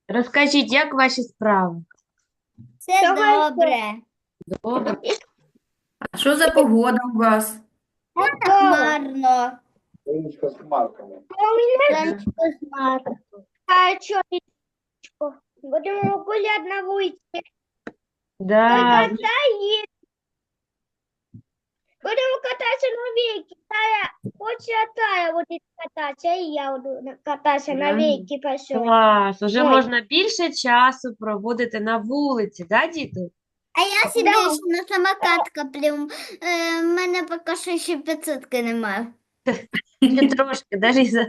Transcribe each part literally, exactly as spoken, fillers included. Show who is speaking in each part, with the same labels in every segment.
Speaker 1: Розкажіть, як ваші справи?
Speaker 2: Все добре.
Speaker 1: Добре.
Speaker 3: А що за погода у вас?
Speaker 2: Хмарно.
Speaker 4: Річка з хмарками.
Speaker 2: Сонечко хмарно.
Speaker 5: А що, будемо гуляти на вулиці.
Speaker 1: Да.
Speaker 5: Будемо кататися на вейке. Тая, хоче Тая буде кататися, і я буду на- кататися на
Speaker 3: Да.
Speaker 5: вейке пішов.
Speaker 1: Клас, уже
Speaker 5: Ой.
Speaker 1: можна більше часу проводити на вулиці, да, діти?
Speaker 2: А я собі ще на самокат коплю. Е, в мене поки що ще п'ятсотки немає.
Speaker 1: Ще трошки, да, Ліза?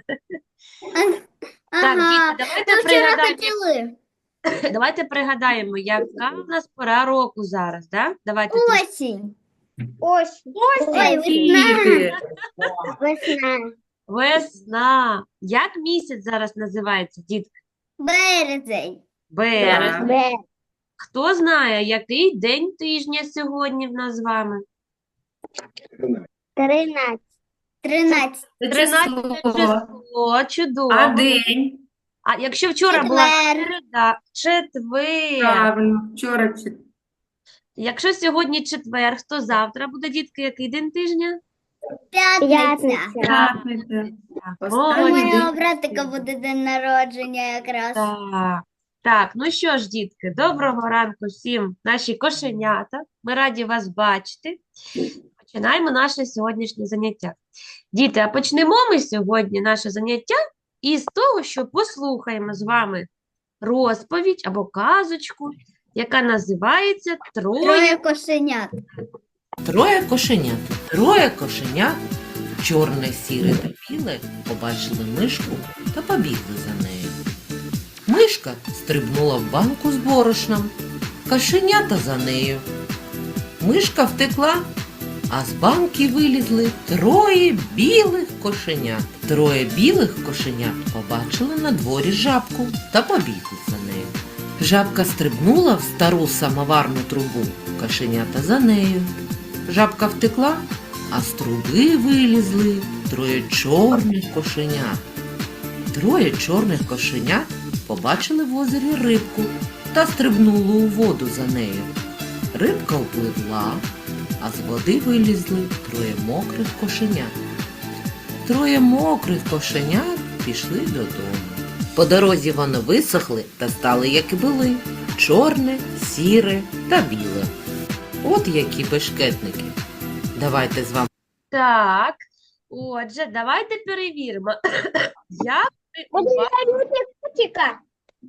Speaker 1: Так,
Speaker 2: Ага.
Speaker 1: діти, давайте
Speaker 2: Ми вчора
Speaker 1: пригадаємо,
Speaker 2: хотіли.
Speaker 1: давайте пригадаємо, яка в нас пора року зараз, да? Давайте трішки.
Speaker 2: Осінь.
Speaker 5: Ось.
Speaker 2: Ой, весна.
Speaker 3: Діти,
Speaker 5: Весна.
Speaker 1: Весна. Як місяць зараз називається, дітки?
Speaker 2: Березень.
Speaker 1: Березень.
Speaker 5: Бе.
Speaker 1: Хто знає, який день тижня сьогодні в нас з вами?
Speaker 5: Тринадцять.
Speaker 2: Тринадцять.
Speaker 3: це
Speaker 1: тринадцяте
Speaker 3: число.
Speaker 1: число, чудово.
Speaker 3: А день?
Speaker 1: А якщо вчора була
Speaker 2: Четвер.
Speaker 1: середа, четвер.
Speaker 3: Правильно, вчора чи-
Speaker 1: Якщо сьогодні четвер, то завтра буде, дітки, який день тижня?
Speaker 2: П'ятниця.
Speaker 3: п'ятниця.
Speaker 1: Так,
Speaker 2: У
Speaker 3: Останній
Speaker 1: молодці.
Speaker 2: моєго
Speaker 3: день.
Speaker 2: братика буде день народження якраз.
Speaker 1: Так. Так, ну що ж, дітки, доброго ранку всім, наші кошенята. Ми раді вас бачити. Починаємо наше сьогоднішнє заняття. Діти, а почнемо ми сьогодні наше заняття із того, що послухаємо з вами розповідь або казочку, яка називається «Троє».
Speaker 2: Троє кошенят.
Speaker 6: Троє кошенят. Троє кошенят, чорне, сіре та біле, побачили мишку та побігли за нею. Мишка стрибнула в банку з борошном, кошенята за нею. Мишка втекла, а з банки вилізли троє білих кошенят. Троє білих кошенят побачили на дворі жабку та побігли за нею. Жабка стрибнула в стару самоварну трубу, кошенята за нею. Жабка втекла, а з труби вилізли троє чорних кошенят. Троє чорних кошенят побачили в озері рибку та стрибнули у воду за нею. Рибка впливла, а з води вилізли троє мокрих кошенят. Троє мокрих кошенят пішли додому. По дорозі вони висохли та стали, як і були, чорне, сіре та біле. От які бешкетники. Давайте з вами.
Speaker 1: Так, отже, давайте перевіримо. Як ви
Speaker 5: Будемо
Speaker 1: уважно...
Speaker 5: робити котика.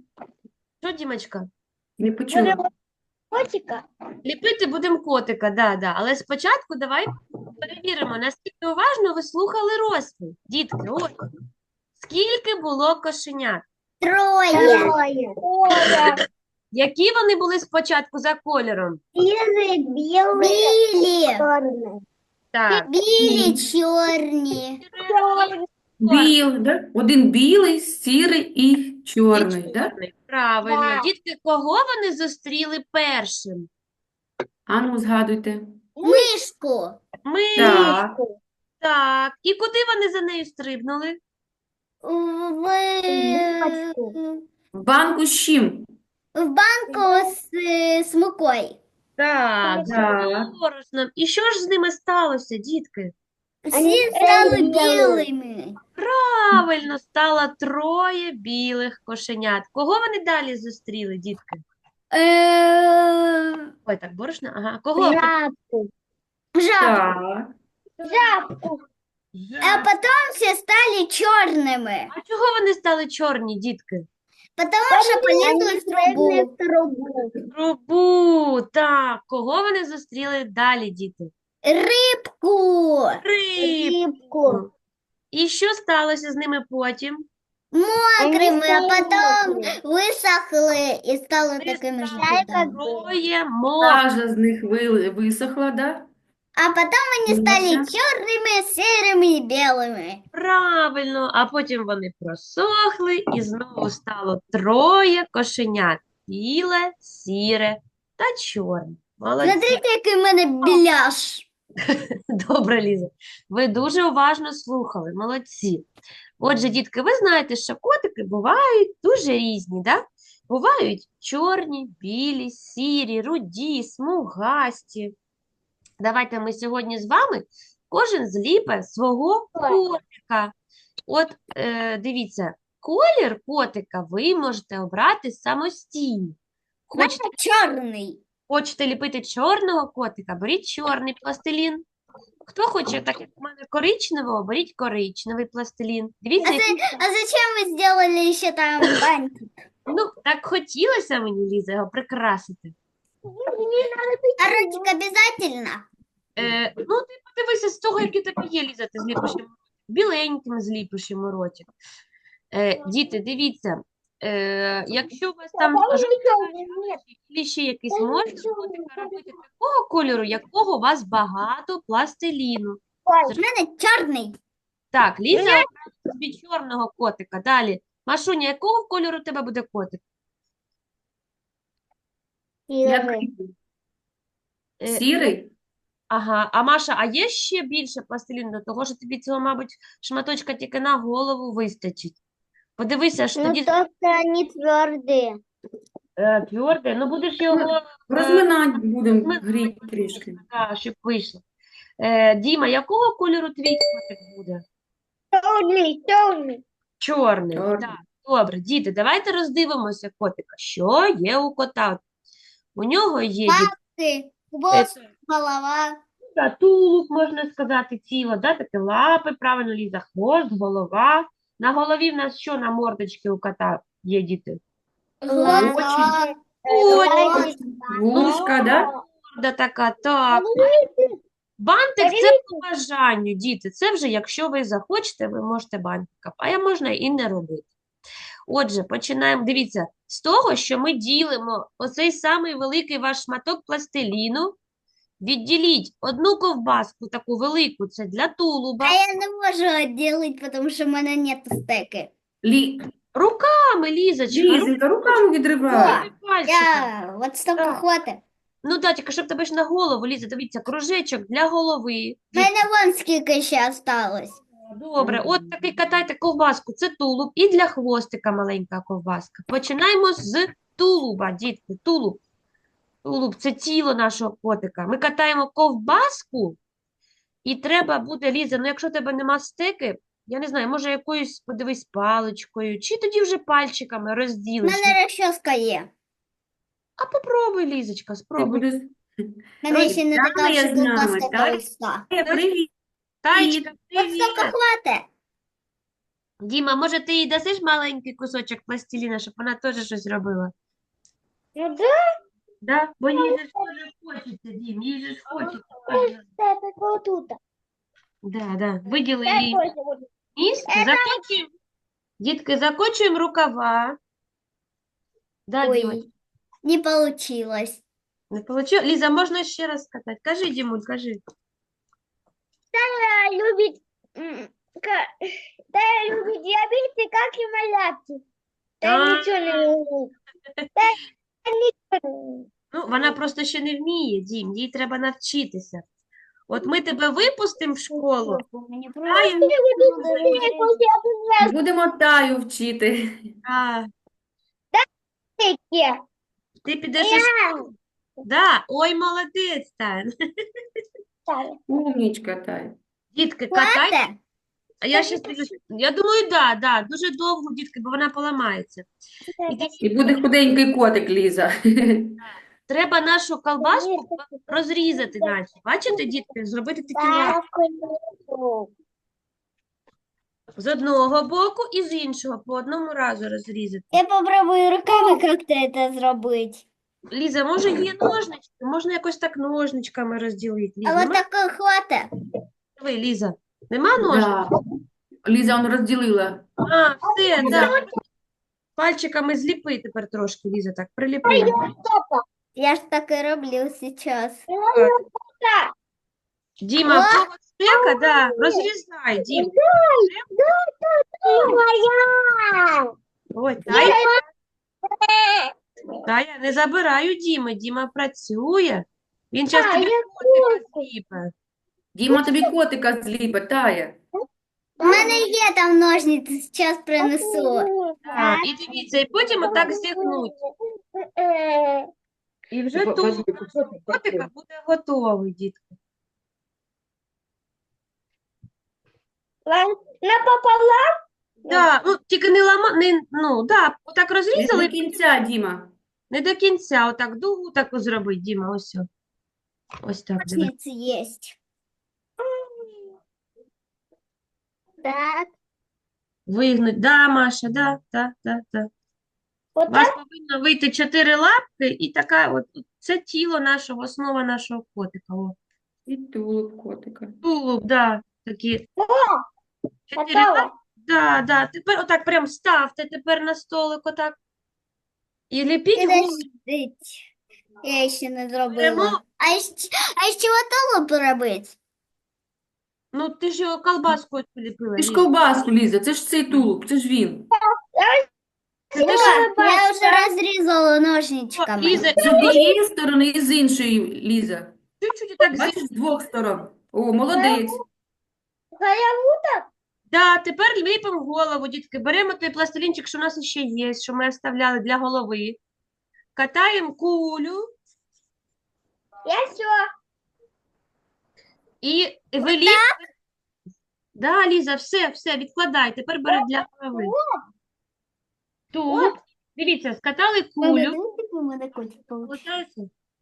Speaker 1: Що, Дімочка?
Speaker 3: Не почула.
Speaker 5: Будемо котика.
Speaker 1: Ліпити будемо котика, да, да. Але спочатку давай перевіримо, наскільки уважно ви слухали розповідь. Дітки, от, скільки було кошенят?
Speaker 2: Троє.
Speaker 5: Оля.
Speaker 1: Які вони були спочатку за кольором?
Speaker 5: Білий, білий,
Speaker 2: Білі.
Speaker 5: чорний.
Speaker 1: Так,
Speaker 2: Білі, чорні.
Speaker 5: Чорний.
Speaker 3: Біл, да? Один білий, сірий і
Speaker 1: і
Speaker 3: чорний, да?
Speaker 1: чорний. Правильно.
Speaker 5: Так.
Speaker 1: Дітки, кого вони зустріли першим?
Speaker 3: А ну, згадуйте.
Speaker 2: Мишку.
Speaker 1: Ми.
Speaker 3: Так.
Speaker 1: Так. І куди вони за нею стрибнули?
Speaker 2: В,
Speaker 5: Бачку.
Speaker 3: В банку з чим?
Speaker 2: в банку з, е, з мукою.
Speaker 1: Так, з
Speaker 3: Так.
Speaker 1: борошном. І що ж з ними сталося, дітки?
Speaker 2: Всі стали білими.
Speaker 1: Правильно, стало троє білих кошенят. Кого вони далі зустріли, дітки?
Speaker 2: Е,
Speaker 1: Ой, так, борошно? Ага. Кого?
Speaker 5: Жабку.
Speaker 2: Жаб.
Speaker 3: Так.
Speaker 5: Жабку.
Speaker 2: А потом все стали черными.
Speaker 1: А чого вони стали чорні, дітки?
Speaker 2: Потому что полезли в
Speaker 5: Прыгли
Speaker 2: трубу.
Speaker 5: в трубу.
Speaker 1: Трубу. Так, кого вони зустріли далі, діти?
Speaker 2: Рыбку.
Speaker 1: Рибку.
Speaker 5: Рибку.
Speaker 1: І що сталося з ними потім?
Speaker 2: Мокрыми, а
Speaker 5: стали
Speaker 2: потом
Speaker 5: мокрыми.
Speaker 2: высохли и стали
Speaker 1: Вони
Speaker 2: такими же.
Speaker 1: стали
Speaker 2: белыми.
Speaker 1: троє мокрих.
Speaker 3: Сажа з них ви- висохла, да?
Speaker 2: А потом они стали
Speaker 3: Мгм.
Speaker 2: черными, серыми и белыми.
Speaker 1: Правильно, а потім вони просохли і знову стало троє кошенят. Біле, сіре та чорне. Молодці.
Speaker 2: Смотрите, який в мене біляш.
Speaker 1: Добре, Ліза. Ви дуже уважно слухали. Молодці. Отже, дітки, ви знаєте, що котики бувають дуже різні, да? Бувають чорні, білі, сірі, руді, смугасті. Давайте ми сьогодні з вами кожен зліпе свого котика. От е, дивіться, колір котика ви можете обрати самостійно. Хочете,
Speaker 2: Чорний.
Speaker 1: хочете ліпити чорного котика, беріть чорний пластилін. Хто хоче, так як у мене коричневого, беріть коричневий пластилін.
Speaker 2: А,
Speaker 1: Дивіться,
Speaker 2: за-
Speaker 1: який-
Speaker 2: а зачем вы сделали еще там бантик?
Speaker 1: ну, так хотілося мені, Ліза, його прикрасити.
Speaker 2: А ротик обязательно?
Speaker 1: Е, ну, ти подивися з того, який тебе є, Ліза, ти зліпиш йому біленьким зліпиш йому ротик. Е, діти, дивіться, е, якщо у вас там жовтий ще якийсь, можна котика робити такого кольору, якого у вас багато пластиліну.
Speaker 2: У мене чорний.
Speaker 1: Так, Ліза обрала собі чорного котика. Далі. Машуня, якого кольору у тебе буде котик?
Speaker 3: Який?
Speaker 1: Е,
Speaker 3: Сірий?
Speaker 1: Ага, а Маша, а є ще більше пластиліну до того, що тобі цього, мабуть, шматочка тільки на голову вистачить? Подивися, що тоді
Speaker 5: только они твердые.
Speaker 1: е, тверде, ну будеш його,
Speaker 3: Розминати будемо,
Speaker 1: ми-
Speaker 3: гріти трішки.
Speaker 1: да, щоб вийшло. Е, Діма, якого кольору твій котик буде?
Speaker 5: Черный, черный.
Speaker 1: Чорний.
Speaker 3: Чорний.
Speaker 1: Так, добре, діти, давайте роздивимося котика. Що є у кота? У нього є діти,
Speaker 2: Ти, хвост, голова.
Speaker 1: та, тулуб, можна сказати, тіло, да, таке лапи, правильно, Ліза, хвост, голова. На голові в нас що на мордочці у кота є, діти?
Speaker 2: Глаза.
Speaker 1: Очі,
Speaker 3: Вушка, да?
Speaker 1: морда така, так. Бантик це по бажанню, діти. Це вже, якщо ви захочете, ви можете бантика, а я можна і не робити. Отже, починаємо. Дивіться, з того, що ми ділимо оцей самий великий ваш шматок пластиліну, відділіть одну ковбаску, таку велику, це для тулуба.
Speaker 2: А я не можу відділити, тому що в мене нет стеки.
Speaker 3: Лі...
Speaker 1: Руками, Лізочка,
Speaker 3: Лізенька, руками відривай.
Speaker 1: руками, пальчиками.
Speaker 2: Я от стільки
Speaker 1: Так.
Speaker 2: хватить.
Speaker 1: Ну, да, тільки щоб тебе ж на голову, Ліза, дивіться, кружечок для голови.
Speaker 2: У мене вон скільки ще осталось.
Speaker 1: Добре, от такий катайте ковбаску, це тулуб, і для хвостика маленька ковбаска. Починаємо з тулуба, дітки, тулуб. Тулуб – це тіло нашого котика. Ми катаємо ковбаску, і треба буде, Ліза, ну якщо в тебе нема стеки, я не знаю, може якоюсь, подивись, паличкою, чи тоді вже пальчиками
Speaker 2: У
Speaker 1: розділиш.
Speaker 2: мене розчоска є.
Speaker 1: А попробуй, Лізочка,
Speaker 3: Ти
Speaker 1: спробуй.
Speaker 3: будеш...
Speaker 2: У мене ще не
Speaker 3: Ой,
Speaker 2: така
Speaker 3: Тая
Speaker 2: вже
Speaker 3: з нами,
Speaker 2: ковбаска
Speaker 3: Тая.
Speaker 2: толста.
Speaker 3: Привіт.
Speaker 1: Таєчка,
Speaker 2: От
Speaker 1: привіт!
Speaker 2: стільки хватить.
Speaker 1: Діма, може ти їй дасиш маленький кусочок пластиліна, щоб вона теж щось робила?
Speaker 5: Ну да,
Speaker 1: Да? Бо їй же ж теж хочеться, Дім, їй же ж хочеться.
Speaker 5: это вот тут.
Speaker 1: Да, да. Виділи
Speaker 5: Я
Speaker 1: їй
Speaker 5: тоже буду.
Speaker 1: місце, закочуємо. Дітки, закочуємо рукава. Да,
Speaker 2: Ой.
Speaker 1: Діма,
Speaker 2: Не получилось.
Speaker 1: не получилось? Ліза, можна ще раз сказати? Кажи, Дімуль, кажи.
Speaker 5: Тая любит, м, ка- Тая любит диабеты, как и малявки. Тая
Speaker 1: А.
Speaker 5: ничего не умеет. Тая ничего не умеет.
Speaker 1: Ну, вона просто ще не вміє, Дім, їй треба навчитися. От ми тебе випустимо в школу,
Speaker 2: Мені
Speaker 1: а,
Speaker 5: Я буду быстрее, пусть я буду
Speaker 3: Будемо Таю вчити.
Speaker 1: а,
Speaker 5: быстрее.
Speaker 1: ти підеш у школу. Да, ой, молодець, Тань.
Speaker 5: Тая.
Speaker 3: Умнічка, Тая.
Speaker 1: Дітки, катай.
Speaker 2: Хватить?
Speaker 1: А я ще скажу, я думаю, да, да, дуже довго, дітки, бо вона поламається. І дивіться,
Speaker 3: І буде худенький котик, Ліза.
Speaker 1: треба нашу колбаску розрізати, наче. Бачите, дітки, зробити такі лапки з одного боку і з іншого, по одному разу розрізати.
Speaker 2: Я попробую руками как-то это зробити.
Speaker 1: Ліза, може є ножнички? Можна якось так ножничками розділити. Ліза,
Speaker 2: А от
Speaker 1: нема?
Speaker 2: такого хватить?
Speaker 1: Диви, Ліза, нема ножничок?
Speaker 3: Да. Ліза, он розділила.
Speaker 1: А, все,
Speaker 3: Ліза.
Speaker 1: да. Пальчиками зліпи тепер трошки, Ліза, так, приліпи.
Speaker 2: Я ж так і роблю зараз.
Speaker 1: Діма, в кого стека, да, розрізай, Дім.
Speaker 5: Моя.
Speaker 1: Ой, Тая, Тая, не забирай у Діми, Діма працює. Він зараз
Speaker 5: Та,
Speaker 1: тобі
Speaker 5: я
Speaker 1: котика зліпе.
Speaker 3: Діма тобі котика зліпить, Тая.
Speaker 2: У мене є там ножниці, зараз принесу.
Speaker 1: Так, і дивіться, і потім отак зігнуть. І вже
Speaker 4: Ва-
Speaker 1: тулуб
Speaker 4: возьми кусок,
Speaker 1: котика буде готовий, дітки.
Speaker 5: Напополам?
Speaker 1: Да, ну, тільки не лама, не, ну, да, отак
Speaker 3: Не
Speaker 1: розрізали,
Speaker 3: до кінця, Діма.
Speaker 1: не до кінця, отак дугу таку зробить, Діма, ось. о. Ось так, диви.
Speaker 2: Ножниці є.
Speaker 5: Так.
Speaker 1: Вигнуть, да, Маша, да, да, да, да. У
Speaker 5: Вот
Speaker 1: вас
Speaker 5: так?
Speaker 1: повинно вийти чотири лапки і така, от, це тіло нашого, основа нашого котика. О.
Speaker 3: І тулуб котика.
Speaker 1: Тулуб, да, такі
Speaker 5: О,
Speaker 1: чотири
Speaker 5: готово.
Speaker 1: лапки, да, да. Тепер отак прям ставте тепер на столик отак. І ліпіть губи.
Speaker 2: Підождіть. Я ще не
Speaker 1: Беремо.
Speaker 2: зробила. А ще, а ще отолу робити?
Speaker 1: Ну, ти ж його колбаскою ліпила.
Speaker 3: Ти ж
Speaker 1: Ліза.
Speaker 3: ковбаску, Ліза, це ж цей тулуб, це ж він.
Speaker 1: Це ти
Speaker 2: О,
Speaker 1: ж-
Speaker 2: я вже розрізала
Speaker 1: О,
Speaker 2: ножничками.
Speaker 1: Ліза,
Speaker 3: З однієї сторони і з іншої, Ліза.
Speaker 1: чуть-чуть так
Speaker 3: Бачиш,
Speaker 1: зі...
Speaker 3: з двох сторон. О, молодець.
Speaker 1: Да, тепер ліпимо голову, дітки. Беремо той пластилінчик, що у нас ще є, що ми оставляли для голови. Катаємо кулю
Speaker 5: Я все.
Speaker 1: і виліп. Да, Ліза, все, все, відкладай. Тепер бери для голови. Тут, дивіться, скатали кулю.
Speaker 2: У мене котик получився.
Speaker 1: Получається?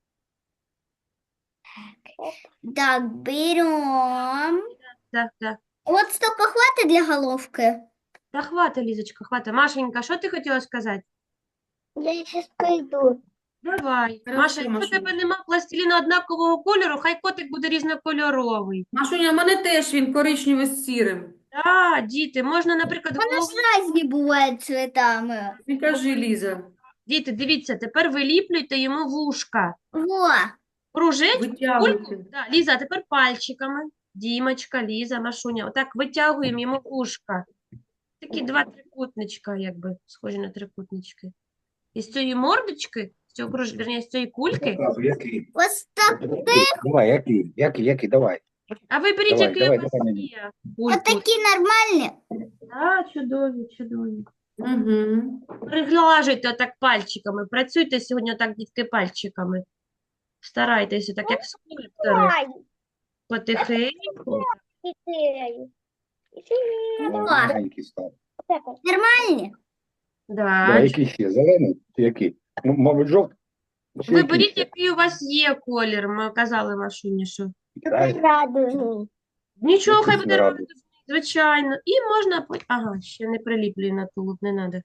Speaker 2: Так, берем.
Speaker 1: Так, так.
Speaker 2: От столько хватить для головки.
Speaker 1: Та хвата, Лізочка, хвата. Машенька, що ти хотіла сказати?
Speaker 5: Я сейчас пойду.
Speaker 1: Давай.
Speaker 3: Хорошо,
Speaker 1: Маша, якщо в
Speaker 3: Машунь.
Speaker 1: тебе нема пластиліна однакового кольору, хай котик буде різнокольоровий.
Speaker 3: Машуня, в мене теж він коричневий з сірим.
Speaker 1: Так, діти, можна, наприклад, голову...
Speaker 2: Різні бувають цветами.
Speaker 3: Не кажи, Ліза.
Speaker 1: Діти, дивіться, тепер виліплюйте йому вушка.
Speaker 2: Во.
Speaker 1: Кружечку, кульку.
Speaker 3: Витягуйте.
Speaker 1: Да, Ліза, а тепер пальчиками. Дімочка, Ліза, Машуня. Отак витягуємо йому вушка. Такі два трикутничка, якби, схожі на трикутнички. І з цієї мордочки, з цього круж... верні, з цієї кульки,
Speaker 4: Зразу, який?
Speaker 2: Ось так.
Speaker 4: Давай, який, який, який, давай.
Speaker 1: а виберіть,
Speaker 4: Давай,
Speaker 1: який
Speaker 4: давай,
Speaker 1: у вас
Speaker 4: давай мені.
Speaker 1: є. Кульку.
Speaker 2: Отакі нормальні.
Speaker 1: Так, чудові, чудові.
Speaker 3: Угу.
Speaker 1: Приглажуйте отак пальчиками. Працюйте сьогодні отак, дітки, пальчиками. Старайтеся, так як скульптори.
Speaker 5: Ай,
Speaker 1: Потихеньку.
Speaker 5: четыре.
Speaker 4: О,
Speaker 2: О.
Speaker 4: маленький став.
Speaker 5: Так вот.
Speaker 2: Нормальні.
Speaker 4: Да,
Speaker 1: Да.
Speaker 4: який ще? Зелений? Чи який? Ну, мабуть, жовтий? Чи
Speaker 1: Виберіть,
Speaker 4: який ще?
Speaker 1: який у вас є колір. Ми казали Машуні, що.
Speaker 4: Китай?
Speaker 5: Радужный.
Speaker 1: Нічого, хай
Speaker 4: Якийсь
Speaker 1: буде
Speaker 4: радужний.
Speaker 1: радужний, звичайно. І можна... по- Ага, ще не приліплює на тулуб, не треба.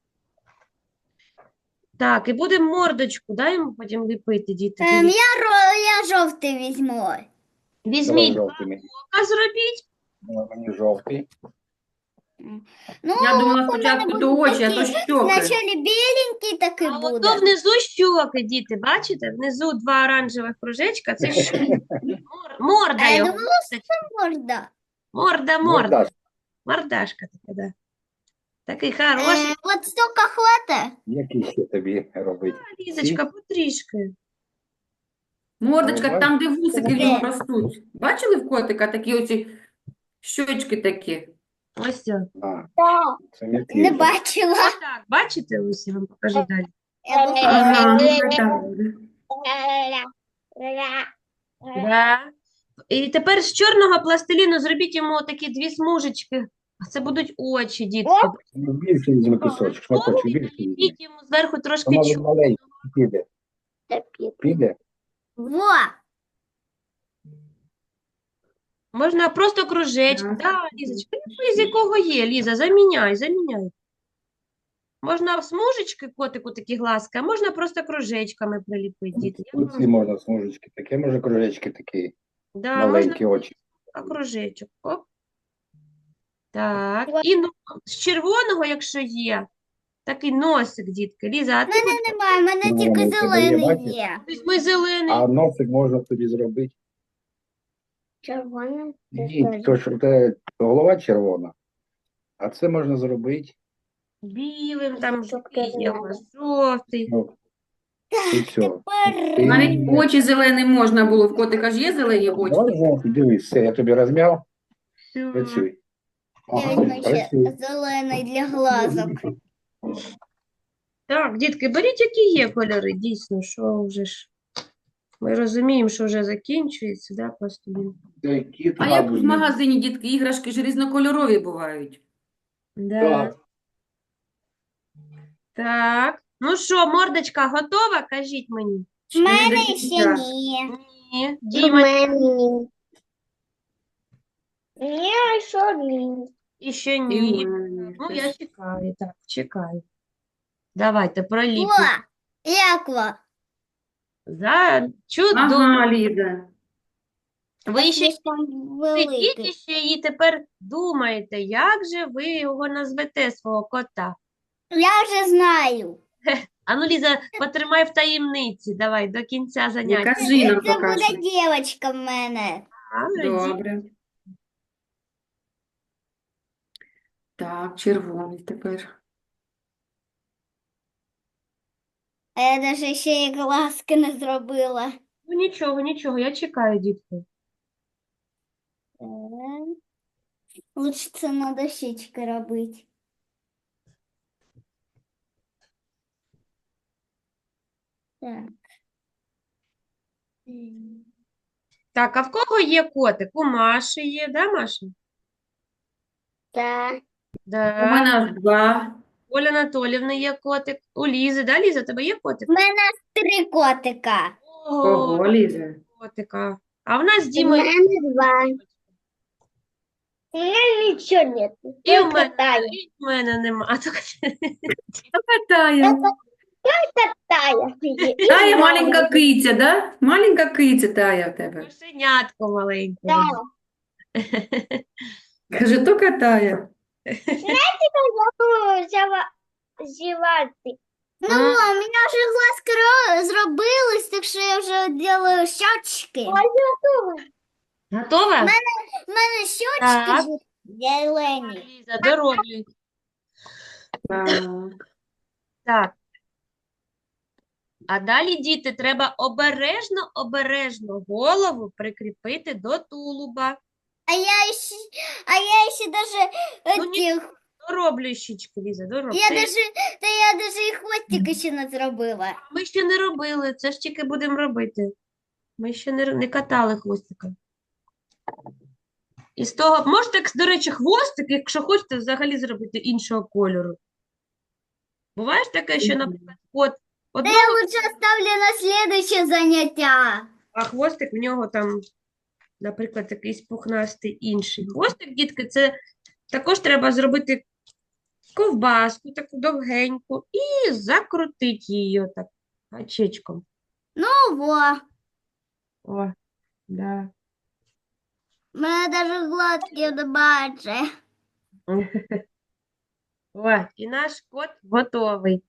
Speaker 1: Так, і будемо мордочку, дай йому потім ліпити, діти.
Speaker 2: Ем,
Speaker 1: Дивіться.
Speaker 2: я, ро- я жовтий візьму.
Speaker 4: Давай
Speaker 1: Візьміть
Speaker 4: жовтий мені.
Speaker 1: ока, зробіть.
Speaker 4: Давай мені жовтий.
Speaker 2: Ну,
Speaker 3: Я думала
Speaker 2: у мене
Speaker 3: спочатку
Speaker 2: будуть
Speaker 3: до очі, а то
Speaker 2: такі,
Speaker 3: щоки.
Speaker 2: Вначалі біленький такий
Speaker 1: А
Speaker 2: буде.
Speaker 1: ото внизу щоки, діти, бачите? Внизу два оранжевих кружечка, це щоки. Мор- Морда
Speaker 2: А я
Speaker 1: його.
Speaker 2: думала, що це морда.
Speaker 1: Морда,
Speaker 4: Ну,
Speaker 1: морда.
Speaker 4: Мордаш.
Speaker 1: Мордашка така, да. Такий
Speaker 2: Е,
Speaker 1: хороший.
Speaker 2: от стільки хватить.
Speaker 4: Який ще тобі робити?
Speaker 1: Лізочка, потрішки.
Speaker 3: Мордочка,
Speaker 4: Ага.
Speaker 3: там, де вусики в нього
Speaker 2: Де?
Speaker 3: ростуть. Бачили в котика такі оці щочки такі?
Speaker 1: Ось це.
Speaker 4: А,
Speaker 5: Да.
Speaker 4: це м'який.
Speaker 2: Не
Speaker 4: вже.
Speaker 2: бачила.
Speaker 1: Отак, бачите, ось я вам покажу далі.
Speaker 2: Я думала,
Speaker 3: Ага, ну хай так буде.
Speaker 5: Ля-ля-ля.
Speaker 1: Да. І тепер з чорного пластиліну зробіть йому такі дві смужечки. А це будуть очі, дітки.
Speaker 4: Ну, більше візьми кусочок, шматочок більше візьми.
Speaker 1: Ліпіть йому зверху трошки
Speaker 4: Ну, мабуть,
Speaker 1: чорного.
Speaker 4: маленький піде. Піде?
Speaker 2: Во.
Speaker 1: Можна просто кружечки.
Speaker 3: Так.
Speaker 1: Да, Лізочка, ну, з якого є, Ліза, заміняй, заміняй. Можна смужечки котику такі глазки, а можна просто кружечками приліпити, діти. Я
Speaker 4: Оці можна смужечки такі, може кружечки такі,
Speaker 1: Да, можна
Speaker 4: маленькі очі.
Speaker 1: а кружечок. Оп. Так. І ну, з червоного, якщо є, такий носик, дітки. Ліза, а ти
Speaker 2: Мене немає, в мене
Speaker 4: Ну,
Speaker 2: тільки
Speaker 4: воно в тебе є,
Speaker 2: зелений
Speaker 4: бачиш?
Speaker 2: є.
Speaker 1: візьми зелений.
Speaker 4: А носик можна тобі зробити.
Speaker 5: Червоний.
Speaker 4: Ні, то що те голова червона, а це можна зробити.
Speaker 1: Білим, там
Speaker 5: Жовтий
Speaker 1: жовтий, є у
Speaker 5: зелений.
Speaker 1: вас жовтий.
Speaker 4: Ну, і все.
Speaker 2: Тепер
Speaker 4: Ти-
Speaker 3: Навіть очі зелені можна було. В котика ж є зелені очі.
Speaker 4: Давай жовтий, дивись, все, я тобі розм'яв,
Speaker 1: Все.
Speaker 4: працюй.
Speaker 2: Я
Speaker 4: Ага,
Speaker 2: візьму ще
Speaker 4: красиво.
Speaker 2: зелений для глазок.
Speaker 1: Так, дітки, беріть, які є кольори, дійсно, що вже ж. Ми розуміємо, що вже закінчується, да, просто він.
Speaker 4: Це кіт,
Speaker 3: А як в
Speaker 4: мабуть,
Speaker 3: магазині, дітки, іграшки ж різнокольорові бувають.
Speaker 1: Да.
Speaker 4: Так.
Speaker 1: Так. Ну що, мордочка готова? Кажіть мені.
Speaker 2: В мене
Speaker 3: до
Speaker 2: ще
Speaker 3: кінця.
Speaker 2: ні.
Speaker 1: Ні.
Speaker 5: У
Speaker 1: Діма,
Speaker 5: мене. Ні, що ні.
Speaker 1: і ще
Speaker 3: І в
Speaker 1: ні.
Speaker 3: мене
Speaker 1: Ну,
Speaker 3: теж.
Speaker 1: я чекаю, так, чекаю. Давайте,
Speaker 2: О,
Speaker 1: проліпимо.
Speaker 2: яква.
Speaker 1: За чудово.
Speaker 3: Ага, Ліза.
Speaker 1: Ви ще
Speaker 2: Слишком
Speaker 1: сидіть і
Speaker 2: великий.
Speaker 1: ще і тепер думаєте, як же ви його назвете, свого кота?
Speaker 2: Я вже знаю.
Speaker 1: Ану, Ліза, потримай в таємниці, давай, до кінця
Speaker 3: Не
Speaker 1: заняття.
Speaker 3: кажи нам
Speaker 2: Це
Speaker 3: поки
Speaker 2: буде
Speaker 3: що.
Speaker 2: дівчинка в мене.
Speaker 1: Молодець.
Speaker 3: Добре. Так, червоний тепер.
Speaker 2: А я навіть ще і глазки не зробила.
Speaker 1: Ну, нічого, нічого, я чекаю, дітки.
Speaker 2: Е, Лучше це на дощечки робити. Так. М.
Speaker 1: Так, а в кого є котик? У Маші є, да, Маша?
Speaker 5: Так.
Speaker 1: Да.
Speaker 3: У мене аж два.
Speaker 1: Оля Анатолівни є котик. У Лізи, да, Ліза, у тебе є котик?
Speaker 2: У мене три котика.
Speaker 1: Ого,
Speaker 3: Ого, Ліза.
Speaker 1: котика. А в нас з
Speaker 5: У
Speaker 1: Дімою
Speaker 5: мене два. У мене нічого нет.
Speaker 1: і в
Speaker 5: Тільки
Speaker 1: мене,
Speaker 5: Тая.
Speaker 1: і в мене нема. А то-
Speaker 3: Тая.
Speaker 5: Тая. І
Speaker 3: Тая
Speaker 5: Тая.
Speaker 3: маленька киця, да? Маленька киця Тая в тебе.
Speaker 1: Кошенятко маленьке.
Speaker 5: Тая.
Speaker 3: Каже, тільки Тая.
Speaker 5: Забула взяла зівати.
Speaker 2: Ну,
Speaker 1: М.
Speaker 2: у мене вже глазки ро- зробились, так що я вже роблю щочки.
Speaker 5: Ой, готова.
Speaker 1: Готова?
Speaker 2: У мене щочки
Speaker 1: Так.
Speaker 2: вже зелені.
Speaker 1: Ліза, дороблюй.
Speaker 3: Так.
Speaker 1: Так. А далі, діти, треба обережно, обережно голову прикріпити до тулуба.
Speaker 2: А я ще, а я ще даже
Speaker 1: Ну, ні.
Speaker 2: этих,
Speaker 1: Дороблюй щічки, Ліза, дороблюй.
Speaker 2: я даже, та я даже і хвостик ще не зробила.
Speaker 1: Ми ще не робили, це ж тільки будемо робити. Ми ще не, р- не катали хвостика. І з того, можете, до речі, хвостик, якщо хочете, взагалі зробити іншого кольору. Буває ж таке, що, наприклад, кот
Speaker 2: Та
Speaker 1: одного,
Speaker 2: я лучше оставлю на следующее заняття.
Speaker 1: а хвостик в нього там, наприклад, якийсь пухнастий інший. Хвостик, дітки, це також треба зробити ковбаску таку довгеньку і закрутити її отак гачечком.
Speaker 2: Ого,
Speaker 1: О, да.
Speaker 2: мене даже глазки не бачить.
Speaker 1: О, і наш кот готовий.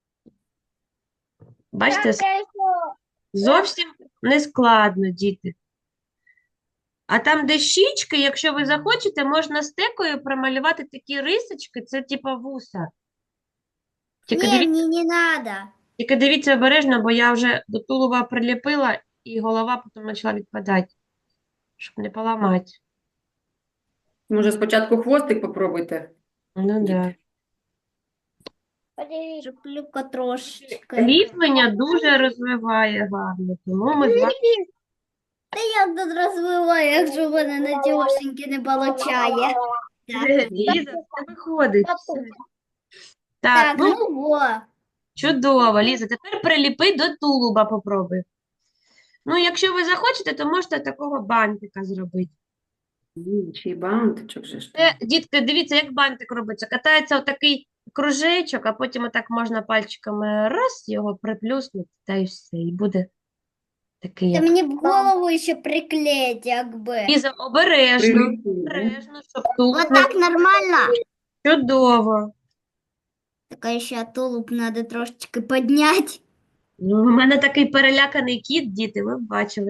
Speaker 1: Бачите,
Speaker 5: Так, я ще-
Speaker 1: зовсім не складно, діти. А там, де щічки, якщо ви захочете, можна стекою промалювати такі рисочки, це типа вуса. Тільки
Speaker 2: Ні,
Speaker 1: дивіться,
Speaker 2: мені не надо.
Speaker 1: тільки дивіться обережно, бо я вже до тулуба приліпила, і голова потім почала відпадати, щоб не поламати.
Speaker 3: Може, спочатку хвостик попробуйте?
Speaker 1: Ну, да.
Speaker 5: Подивіться.
Speaker 2: Шиплюка трошечки.
Speaker 1: Ліплення дуже розвиває гарно, тому ми з вами
Speaker 2: Та як тут розвиваю, якщо в мене на дівошеньки не получає.
Speaker 1: Ліза, це виходить. все.
Speaker 2: Так,
Speaker 1: Так, ну
Speaker 2: ну во.
Speaker 1: чудово, Ліза. Тепер приліпи до тулуба попробуй. Ну, якщо ви захочете, то можете такого бантика зробити.
Speaker 3: М, Чи бантичок же ж.
Speaker 1: Це, дітки, дивіться, як бантик робиться. Катається отакий кружечок, а потім отак можна пальчиками раз його приплюснути, та й все. І буде такий,
Speaker 2: Та
Speaker 1: як...
Speaker 2: мені в голову ще приклеїть, якби.
Speaker 1: Ліза, обережно,
Speaker 3: Приліпи, да?
Speaker 1: обережно, щоб тулуб
Speaker 2: Вот
Speaker 1: не...
Speaker 2: так нормально?
Speaker 1: Чудово.
Speaker 2: Така ще тулуб треба трошечки підняти.
Speaker 1: Ну, у мене такий переляканий кіт, діти, ви б бачили.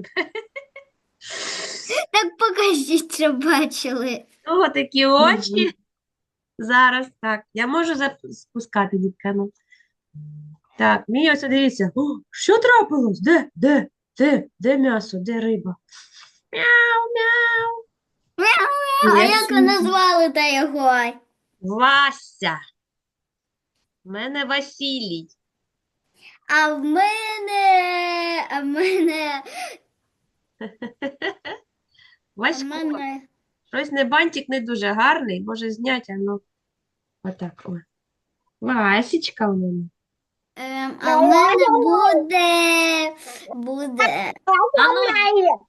Speaker 2: Так покажіть, що бачили.
Speaker 1: Ого, такі очі. Зараз, так. Я можу зап- спускати, дітка, ну. Так, мій ось, дивіться. О, що трапилось? Де? Де? Де? Де м'ясо? Де риба? Мяу, мяу.
Speaker 2: А
Speaker 3: Є
Speaker 2: як ви
Speaker 3: сумка.
Speaker 2: назвали та його?
Speaker 1: Вася. У мене Василій.
Speaker 2: А в мене, а в мене, а в
Speaker 1: Васько.
Speaker 2: мене,
Speaker 1: Щось не бантик не дуже гарний, може зняти, а ну. Отак. О. Васечка у мене.
Speaker 2: ем, а в мене буде, буде,
Speaker 1: А ну,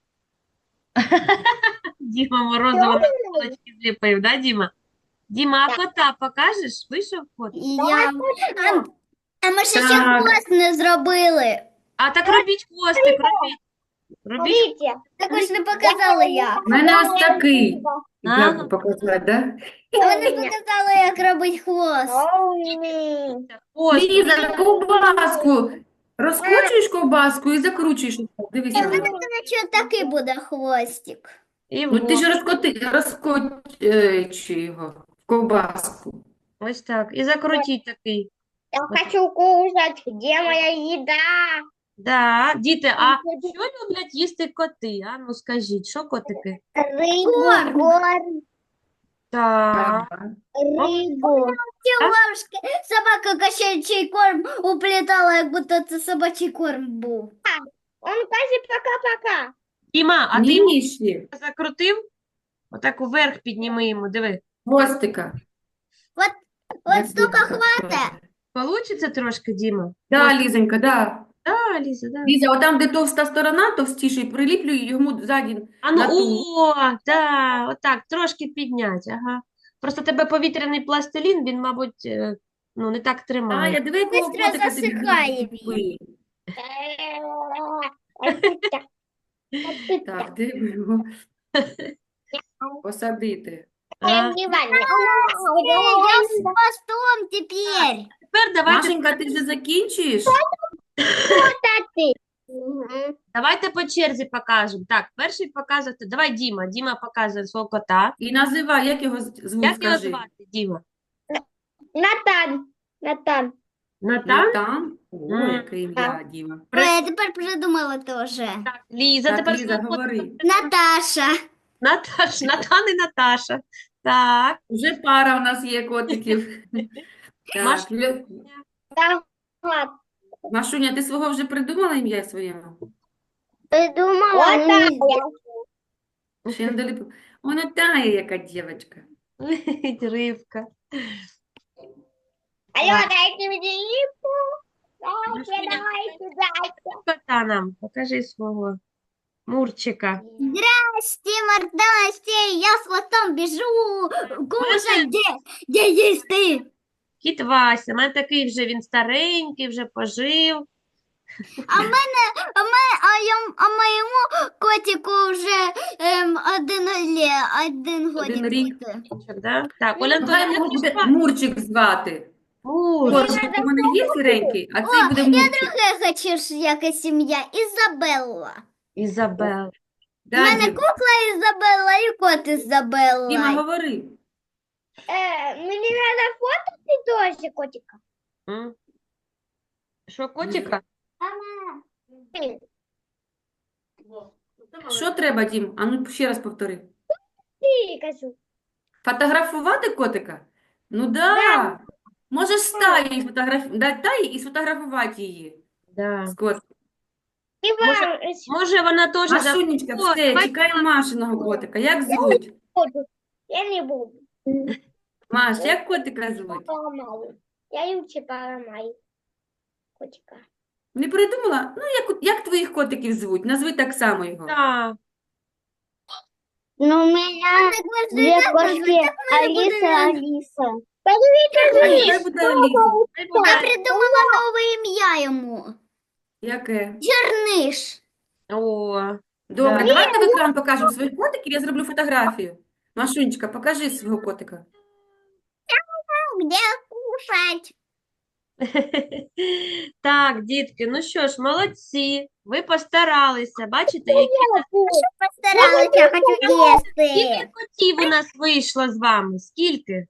Speaker 1: Діма Морозова на полочки зліпив, да, Діма? Діма, а кота покажеш? Вийшов кот?
Speaker 2: і я, а, а ми ще ще
Speaker 3: Так.
Speaker 2: хвост не зробили.
Speaker 1: А так робіть хвостик, робіть. Робіть.
Speaker 5: Смотрите.
Speaker 2: Також не показали як.
Speaker 3: У мене ось такий.
Speaker 1: А.
Speaker 3: Як показати, да?
Speaker 2: А ви не показали, як робить хвост.
Speaker 5: Умный.
Speaker 1: Хвост.
Speaker 3: Ліза, ковбаску. Розкручуєш ковбаску і закручуєш. Дивись.
Speaker 2: Я
Speaker 3: Ліза.
Speaker 2: думаю, що такий буде хвостик.
Speaker 1: І
Speaker 3: Ну ти
Speaker 1: вот.
Speaker 3: ж розкоти, розкочуй його в ковбаску.
Speaker 1: Ось так. І закрутіть такий.
Speaker 5: Я хочу кушать. Где моя еда?
Speaker 1: Да. Діти, а що люблять їсти коти? А ну скажіть, що котики?
Speaker 5: Рыбу,
Speaker 2: Корм.
Speaker 5: корм,
Speaker 1: Так.
Speaker 5: рыбу.
Speaker 2: Ті ложки, собака кошачий корм уплітала, як будто це собачий корм був.
Speaker 5: Он каже пока-пока.
Speaker 1: Діма, а ти
Speaker 3: Ні, ще.
Speaker 1: закрутив? Отак уверх підніми йому, диви.
Speaker 3: Хвостика.
Speaker 2: От
Speaker 3: Як
Speaker 2: стільки
Speaker 3: буде
Speaker 2: хватить.
Speaker 1: Получиться трошки, Діма?
Speaker 3: Да, Лізонька, да.
Speaker 1: Да, Ліза, да.
Speaker 3: Ліза, отам, де товста сторона, товстіший, приліплюй йому ззаді.
Speaker 1: А ну,
Speaker 3: на ту.
Speaker 1: о, да, отак, трошки підняти, ага. Просто тебе повітряний пластилін, він, мабуть, е, ну, не так
Speaker 3: А,
Speaker 1: тримає.
Speaker 3: я диви, якого
Speaker 2: Бистро
Speaker 3: котика тобі
Speaker 2: засихає
Speaker 3: купили. Так, де б його посадити?
Speaker 1: А,
Speaker 2: Я з хвостом тепер.
Speaker 1: тепер давайте,
Speaker 3: Машенька, ти вже закінчуєш?
Speaker 1: давайте по черзі покажемо. Так, перший показувати, давай Діма, Діма показує свого кота.
Speaker 3: І називай, як його з- звуть,
Speaker 1: Як його
Speaker 3: скажи.
Speaker 1: звати, Діма?
Speaker 5: Натан. Натан.
Speaker 1: Натан?
Speaker 3: Натан? О,
Speaker 1: М.
Speaker 3: яке ім'я, Діма.
Speaker 2: Ой, я тепер придумала теж.
Speaker 1: Так, Ліза,
Speaker 3: Так,
Speaker 1: тепер
Speaker 3: Ліза,
Speaker 1: свого кота.
Speaker 3: говори.
Speaker 2: Наташа.
Speaker 1: Наташ, Натан і Наташа. Так,
Speaker 3: Вже пара у нас є котиків.
Speaker 1: Маш-
Speaker 3: Так, Лю-
Speaker 5: Да.
Speaker 3: Машуня, ти свого вже придумала ім'я своєму?
Speaker 5: Придумала.
Speaker 3: Ще не доліп... О, Натая, яка дівчинка.
Speaker 1: Ривка.
Speaker 5: Алло, дайте мне рыбу. Дайте,
Speaker 1: Машуня,
Speaker 5: давайте, дайте.
Speaker 1: Кота нам, покажи свого Мурчика.
Speaker 2: Здрасте, мордасте, я с хвостом бежу. Кушать, где, где есть ты?
Speaker 1: Кіт Вася, у мене такий вже він старенький, вже пожив.
Speaker 2: А в мене, а, мене, а, я, а моєму котику вже ем, один, лє, один годик
Speaker 3: рік.
Speaker 2: буде.
Speaker 1: Чок, да? Так, Оля
Speaker 3: Хай
Speaker 1: Антонівна,
Speaker 3: його
Speaker 1: як
Speaker 3: буде
Speaker 1: звати?
Speaker 3: Мурчик звати.
Speaker 1: Мур.
Speaker 3: Мурчик у мене є сіренький, а цей буде Мурчик.
Speaker 2: Друге хочу ж якась сім'я. Ізабелла.
Speaker 1: Ізабел.
Speaker 2: У
Speaker 3: Да,
Speaker 2: мене
Speaker 3: Дім?
Speaker 2: кукла Ізабелла і кот Ізабелла.
Speaker 3: Діма, говори.
Speaker 5: Э, мне надо фото тоже котика.
Speaker 1: М? Що, котика?
Speaker 3: Що треба, Дім? А ну ще раз повтори.
Speaker 5: Ты, козу.
Speaker 3: Фотографувати котика? Ну да. Можеш стаї фотограф... да, таї і сфотографувати її
Speaker 1: Да.
Speaker 3: з котиком.
Speaker 5: И
Speaker 1: Може-
Speaker 5: вам
Speaker 1: Може, вона теж за...
Speaker 3: Машунечка,
Speaker 1: Ой,
Speaker 3: все,
Speaker 1: давай
Speaker 3: чекаємо Машиного котика. Як звуть?
Speaker 5: буду. Я не буду.
Speaker 3: Маш, як котика звуть?
Speaker 5: Поломаю. Я лучше поломаю. Котика.
Speaker 3: Не придумала? Ну, як, як твоїх котиків звуть? Назви так само його.
Speaker 1: Да.
Speaker 5: Ну, у меня две кошки. Алиса, Алиса. Подивіться,
Speaker 3: А нехай буде Аліса.
Speaker 2: Я придумала нове ім'я йому.
Speaker 3: Яке?
Speaker 1: О,
Speaker 2: Черниш.
Speaker 3: Добре,
Speaker 1: Да.
Speaker 3: давайте в екран покажемо своїх котиків, я зроблю фотографію. Машунечка, покажи свого котика.
Speaker 2: Где кушать?
Speaker 1: Так, дітки, ну що ж, молодці. Ви постаралися. Бачите, які
Speaker 2: Постаралася, я хочу їсти.
Speaker 1: скільки котів у нас вийшло з вами? Скільки?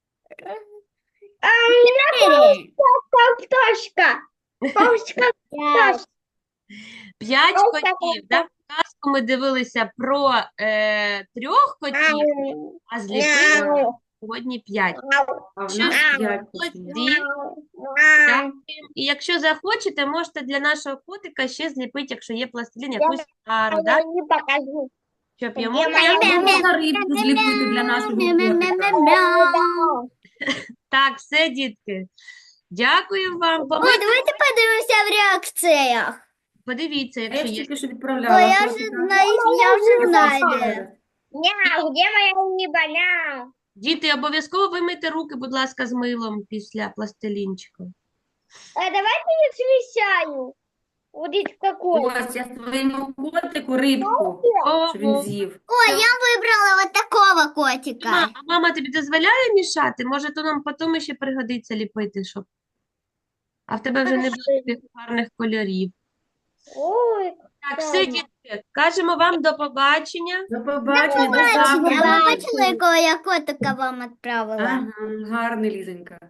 Speaker 2: Чотири.
Speaker 5: Пташка. Пташка.
Speaker 2: П'ять.
Speaker 1: П'ять
Speaker 5: Ось так
Speaker 1: котів, так? Казку ми дивилися про е, трьох котів, а зліпили сьогодні п'ять.
Speaker 3: А в
Speaker 1: Що
Speaker 3: нас
Speaker 1: ж,
Speaker 3: п'ять кошенят.
Speaker 1: молодці. Дякуємо. І якщо захочете, можете для нашого котика ще зліпити, якщо є пластилін, якусь пару, да?
Speaker 5: не покажу.
Speaker 1: Щоб йому
Speaker 5: Где моя
Speaker 3: А можна рибку зліпити для нашого котика?
Speaker 2: Мяу.
Speaker 1: так, все, дітки. Дякую вам.
Speaker 2: Ой,
Speaker 1: Побачимо.
Speaker 2: давайте подивимося в реакціях.
Speaker 1: Подивіться,
Speaker 3: А
Speaker 1: якщо
Speaker 3: я ж
Speaker 1: є.
Speaker 3: тільки що
Speaker 2: Ой,
Speaker 3: відправляла
Speaker 2: я вже
Speaker 3: котика.
Speaker 2: знаю, я вже знаю.
Speaker 3: Поставила.
Speaker 5: Няу, где моя рыба? Няу.
Speaker 1: Діти, обов'язково вимийте руки, будь ласка, з милом після пластилінчика.
Speaker 5: А давайте я смещаю. Вот здесь какой.
Speaker 3: Ось я своєму котику рибку, щоб він
Speaker 1: Ого.
Speaker 3: з'їв.
Speaker 2: Ой, я вибрала вот такого котика.
Speaker 1: Ма- А мама тобі дозволяє мішати? Може, то нам потім ще пригодиться ліпити, щоб. А в тебе вже не буде таких гарних кольорів.
Speaker 5: Ой,
Speaker 1: Так, все, дітки, кажемо вам до побачення.
Speaker 3: До побачення, до
Speaker 2: Бачите,
Speaker 3: завтра.
Speaker 2: а ви бачили, якого я котика вам відправила?
Speaker 3: Ага, гарний, Лізонька.